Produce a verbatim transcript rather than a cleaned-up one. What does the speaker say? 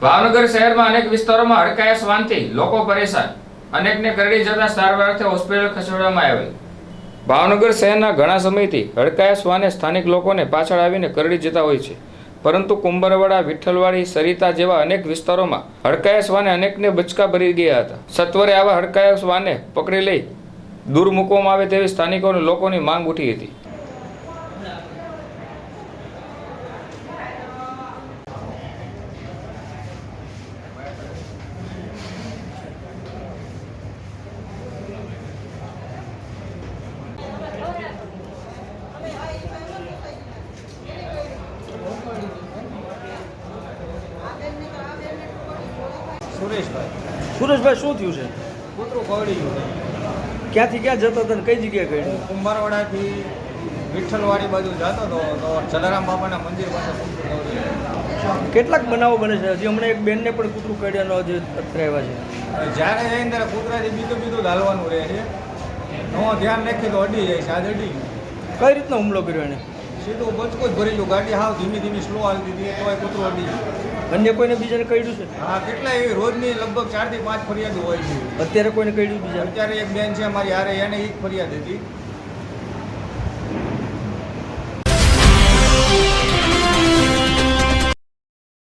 ભાવનગર શહેરમાં અનેક વિસ્તારોમાં હડકાયા શ્વાનથી લોકો પરેશાન, અનેકને કરડી જતા સારવાર અર્થે હોસ્પિટલ ખસેડવામાં આવેલ। ભાવનગર શહેરના ઘણા સમયથી હડકાયા શ્વાને સ્થાનિક લોકોને પાછળ આવીને કરડી જતા હોય છે, પરંતુ કુંભરવાડા, વિઠ્ઠલવાડી, સરિતા જેવા અનેક વિસ્તારોમાં હડકાયા શ્વાને અનેકને બચકા ભરી ગયા હતા। સત્વરે આવા હડકાયા શ્વાને પકડી લઈ દૂર મૂકવામાં આવે તેવી સ્થાનિકો અને લોકોની માંગ ઉઠી હતી। સુરેશભાઈ સુરેશભાઈ શું થયું છે? કૂતરું કવડી ગયું છે। ક્યાંથી ક્યાં જતો હતો ને કઈ જગ્યાએ ગયું? કુંભારવાડાથી વિઠ્ઠલવાડી બાજુ જતો હતો તો જલારામ બાપાના મંદિર પાસે કૂતરું કવડી ગયું। કેટલાક બનાવો બને છે? હજી હમણાં એક બેનને પણ કૂતરું કાઢ્યાનો હજી અત્યારે આવ્યા છે। જ્યારે જઈને ત્યારે કૂતરાથી બીજું બીજું હાલવાનું રહે છે, નો ધ્યાન રાખી તો અડી જાય છે। આજે અડી ગયું। કઈ રીતનો હુમલો કર્યો એને? સીધું બચકું જ ભરી ગયું, ગાડી હાવ ધીમી ધીમી સ્લો હાલતી હતી તોય કૂતરું અડી ગયું। અન્ય કોઈને બીજાને કર્યું છે? હા, કેટલા એવી રોજની લગભગ ચારથી પાંચ ફરિયાદો હોય છે। અત્યારે કોઈને કર્યું બીજા? અત્યારે એક બેન છે મારી હારે, એને એ જ ફરિયાદ હતી।